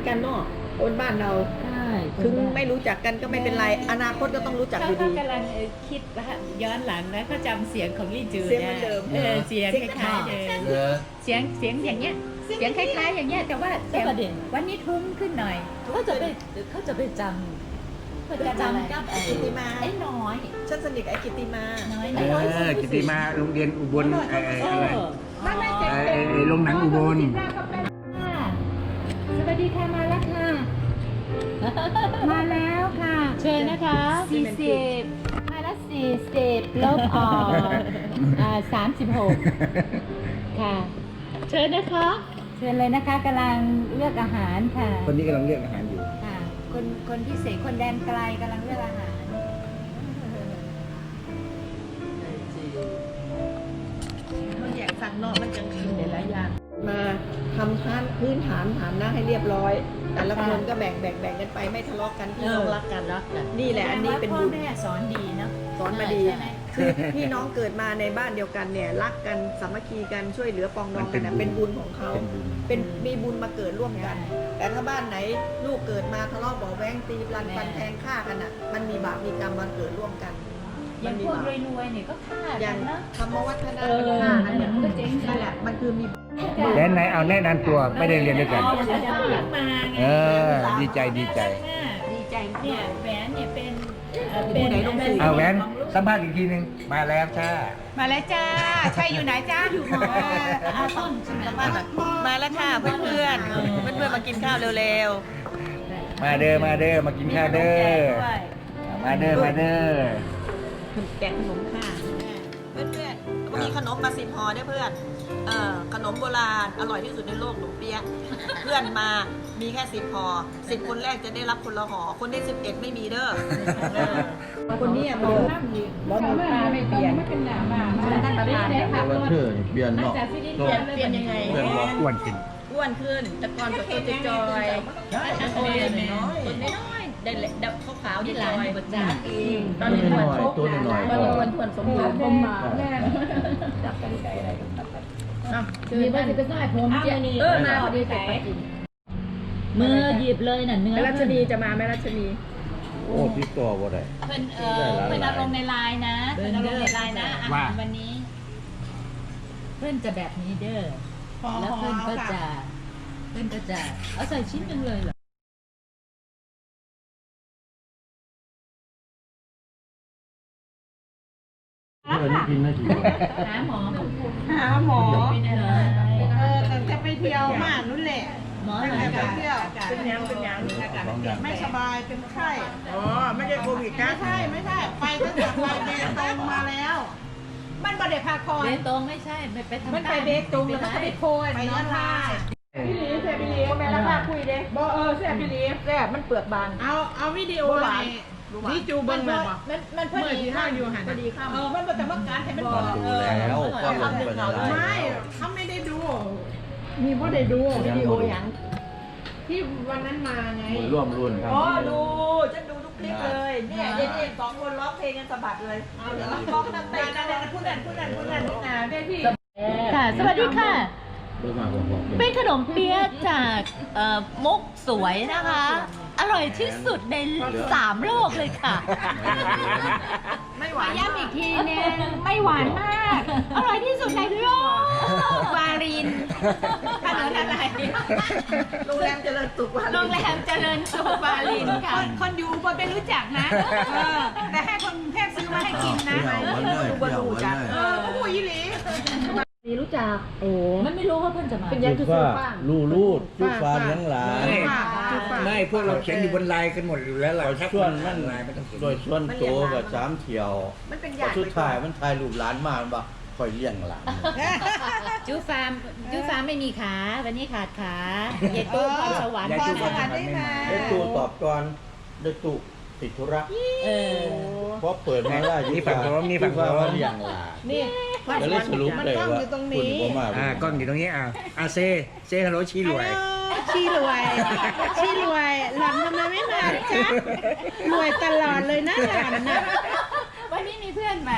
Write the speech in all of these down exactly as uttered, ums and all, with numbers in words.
กันเนาะคนบ้านเราใช่ถึงไม่รู้จักกันก็ไม่เป็นไร อนาคตก็ต้องรู้จักอยู่เขาดีกำลังคิดว่าย้อนหลังนะเขาจำเสียงของลี่จูเสียงเหมือนเดิมเออเสียงคล้ายๆเดิมเหรอเสียงเสียงอย่างเงี้ยเสียงคล้ายๆอย่างเงี้ยแต่ว่าแต่วันนี้ทุ้มขึ้นหน่อยเขาจะไปเขาจะไปจำเขาจะจำกับไอ้กิติมาไอ้น้อยฉันสนิทกับไอ้กิติมาน้อยเอน้อยอกิติมาโรงเรียนอุบลไอ้ไอ้อะไรไม่ไม่ไอ้ไอ้ไอ้โรงหนังอุบลสวัสดีค่ะมาแล้วค่ะมาแล้วค่ะเชิญนะคะสี่สิบมาแล้วสี่สิบลบออกอ่าสามสิบหกค่ะเชิญนะคะเชิญเลยนะคะกำลังเลือกอาหารค่ะคนนี้กำลังเลือกอาหารอยู่ค่ะคนคนพิเศษคนแดนไกลกำลังเลือกอาหารเขาแยกสั่งนอกมันจังคือหลายอย่างมาทำท่านพื้นฐานฐานหน้าให้เรียบร้อย แต่ละคนก็แบ่งแบ่งแบ่งกันไปไม่ทะเลาะกันพี่น้องรักกันรักกันนี่แหละอันนี้เป็นพ่อบุญแม่สอนดีเนาะสอนมาดีใช่ไหมคือพี่น้องเกิดมาในบ้านเดียวกันเนี่ยรักกันสามัคคีกันช่วยเหลือปองดองกันนะเป็นบุญของเขาเป็นบุญเป็นมีบุญมาเกิดร่วมกัน แต่ถ้าบ้านไหนลูกเกิดมาทะเลาะเบาะแว้งตีรันฟันแทงฆ่ากันอ่ะ มันมีบาปมีกรรมมาเกิดร่วมกันอมัย่าน งมีพวกบาปรวยๆเนี่ยก็ฆ่าอกัย่างนนะธรรมวัฒนะเออมันฆ่ากันเนี่ยมันก็เจ๊งนั่นแหละมันคือมีแนะนายเอาแนะนำตัวไม่ได้เรียนด้วยกันมาเออ ดีใจดีใจดีใจเนี่ยแหวนเนี่ยเป็นเอ่อผู้ไหนลงสื่อเอาแหวนสัมภาษณ์อีกทีหนึงมาแล้วจ้ามาแล้วจ้าใช่อยู่ไหนจ้าอยู่หออาต้นใช่ไหมมามาแล้วค่ะเพื่อนเพื่อนเพื่อนเพื่อนๆมากินข้าวเร็วมาเด้อมาเด้อมากินข้าวเด้อมาเด้อมาเด้อๆแกะขนมค่ะเพื่อนเพื่อนๆวันนี้ขนมมาสิบห่อเนี่ยเพื่อนเอ่อขนมโบราณอร่อยที่สุดในโลกหนมเปี๊ยะเพื่อนมามีแค่สิบห่อสิบคนแรกจะได้รับคนละห่อคนที่สิบเอ็ดไม่มีเด้อเออคนนี้อะบอกบอกมีตาไม่เปลี่ยนไม่เป็นหนามาท่านประธานเนี่ยค่ะเชื่อเปลี่ยนเนาะจากฟิลิปเปปิลี่ยนนส์เปลี่ยนยังไงเปลี่ยนบอกอ้วนขึ้นอ้วนขึ้นแต่ก่อนก็ตัวจอยๆโอ้ยน้อยๆน้อยๆได้เด็กขาวๆที่ที่หลลานอยบดจ้าเองตอนนี้อ้วนตัวน้อยๆตอนนี้อ้วนทวนสมบูรณ์ผมมาแม่จับกันไกลอะไรมีว่าจะไปใส่ผมเจ้าเออมาดีใจมือหยิบเลยน่ะเนื้อแม่รัชนีจะมาแม่รัชนีโอ้ติดต่อบ่ได้เพิ่นเออเพิ่นเอาลงในไลน์นะเพิ่นเอาลงในไลน์นะอาหารวันนี้ เพื่อนจะแบบนี้เด้อแล้วเพื่อนก็จะเพื่อนก็จะเอาใส่ชิ้นหนึ่งเลยเหรอเพื่อนนี่กินไม่กี่หาหมอหาหมอเป็นอะไรเออแต่จะไปเที่ยวมานู่นแหละหมออะไรไปกันเที่ยวเป็นยังเป็นยังสองอย่างไม่สบายเป็นไข้อ๋อไม่ใช่โควิดนะไม่ใช่ไม่ใช่ไปตั้งแต่ไปเบตงมาแล้ว มันบ่ได้พาคอยเบตงไม่ใช่ไม่ไปทำมันไปเบตงแล้วก็ไปโคยไปยะลาพี่ลีเสียพี่ลีแม่ราคาคุยเด้บ่เออเสียพี่ลีแซ่บมันเปลือกบางเอาเอาวิดีโอในนี่จูเบิ้งเลยบ่มันมันพอเมื่อดีที่ห้าอยู่หันพอดีข้ามเออมันบ่แต่ว่าการให้มันก่อนดูแล้วก็ลงไปในไลไม่น์เขาไม่ได้ดูมีบ่ได้ดูวิดีโอหยังที่วันนั้นมาไงร่วมรุ่นครับอ๋อดูฉันดูทุกคลิปเลยเนี่ยเย็นๆสองคนร้องเพลงกันสะบัดเลยเอาเดี๋ยวเราร้องนั่งเต้นกันพูดนั่นพูดนั่นพูดนั่นนี่นะเด้พี่ค่ะ สวัสดีค่ะเพิ่งมาบอกบอกเป็นขนมเปี๊ยะจากเอ่อมุกสวยนะคะ อร่อยที่สุดในสามโลกเลยค่ะไม่หวานย้ำอีกทีนึงไม่หวานมาก อร่อยที่สุดในโลกวารินถนนอะไรโรงแรมเจริญสุขวันโรงแรมเจริญสุขวารินค่ะ คนอยู่บนไม่รู้จักนะเออแต่ให้คนแค่ซื้อมาให้กินนะเที่ยววันเลยเที่ยววันเลยเออผู้หญิงหลีนี่รู้จักโอ้มันไม่รู้ว่าเพื่อนจะมาเป็นยัจุงดฟ้าลู่ลูดจุดฟ้าเลี้ยงหลานไม่พวกเราเขียนอยู่บนไลน์กันหมดอยู่แล้วเราส่วนมันไลน์ไม่ต้องเขียนโดยส่วนโตกับสามเที่ยวมันเป็นพยาอสุดท้ายมันถ่ายรูปหลานมามันบ่คอยเลี้ยงหลานจูฟาร์มจูฟาร์มไม่มีขา วันนี้ขาดขาเยตู้พรสวรรค์ยายพรจุสบัวรรค์ได้ไหมได้ตู้ตอบก่อนได้ตู้ติดธุระเออเพราะเปิดมาได้นี่ฝั่งโน้นนี่ฝั่งโน้นว่าเลี้ยงหลานนี่ก็เลยสรุปเลยว่าคุณบ่มาอ่ากล้องอยู่ตรงนี้อ่าอาเซเซฮัลโหลชีรวยชี้รวยชี้รวยหล่อนทำไมไม่มาจ๊ะรวยตลอดเลยนะหล่อนนะมวันนี้มีเพื่อนใหม่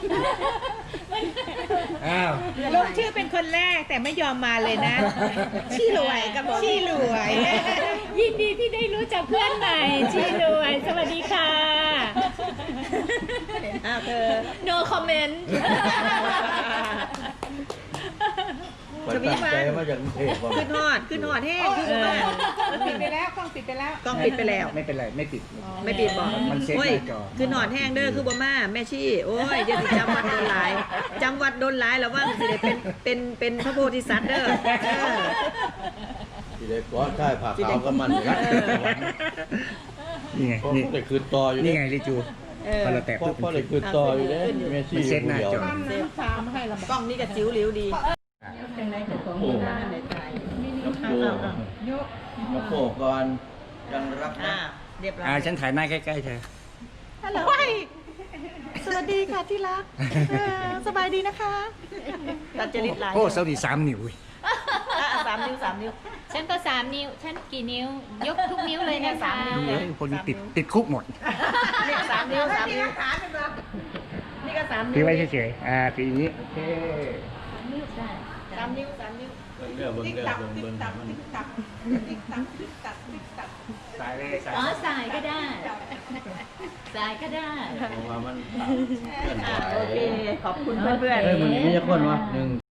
อ้าวลงชื่อเป็นคนแรกแต่ไม่ยอมมาเลยนะ ชี่รวยก็บอกชี่รวยยินดีที่ได้รู้จักเพื่อนใหม่ชีรวย สวัสดีค่ะอ้าวเธอ no comment ไปตั้งใจมาจากกรุงเทพว่าขึ้นฮอดขึ้นฮอดแห้งขึ้นฮอดปิดไปแล้วกล้องปิดไปแล้วกล้องปิดไปแล้วไม่เป็นไรไม่ติดไม่ปิดบอกมันเซ็ตโอ้ยหน้าจอขึ้นฮอดแห้งเด้อคือบ่มาแม่ชี่โอ้ยเดี๋ยวสิจำวัดโดนหลายจำวัดโดนหลายแล้วว่าสิได้เป็นเป็นเป็นพระโพธิสัตว์เด้อเออที่ได้ก้อนค่ายผ่าขาวกับมันครับนี่ไงเพราะนี่ได้คืนต่ออยู่นี่นี่ไงลิจูเออพอเราแตะเพราะปุ๊บเพราะได้คืนต่ออยู่เนี่ยเมสซี่มันเซ็ตหน้าจอน้ำตามาให้เรากล้องนี่ก็จิ๋วหลิวดีโอ้ยกมาโผล่ก่อนยังรักอ่านะเรียบร้อยอ่าฉันถ่ายหน้าใกล้ๆเธอฮัลโหลสวัสดีค่ะที่รักเออสบายดีนะคะตัดจริตหลายโอ้เสาดีสามนิ้วอุ้ยอ่ะสามนิ้วสามนิ้วฉันก็สามนิ้ว ฉันกี่นิ้ว ยกทุกนิ้วเลยนะคะเฮ้ยคนนี้ติดติดคุกหมดนี่สามนิ้วสามนิ้วนี่ก็สามถืนิ้อวไว้เฉยๆอ่าถืออย่างนี้โอเคสามนิ้วสามนิ้วเบิ่งเด้อเบิ่งเด้อเบิ่งเบิ่งให้มันสายเลยสายอ๋อสายก็ได้ สายก็ได้เพราะว่ามันเคลื่อนไหวอ่ะโอเค ขอบคุณเพื่อนๆเฮ้ยมันมีคนวะหนึ่ง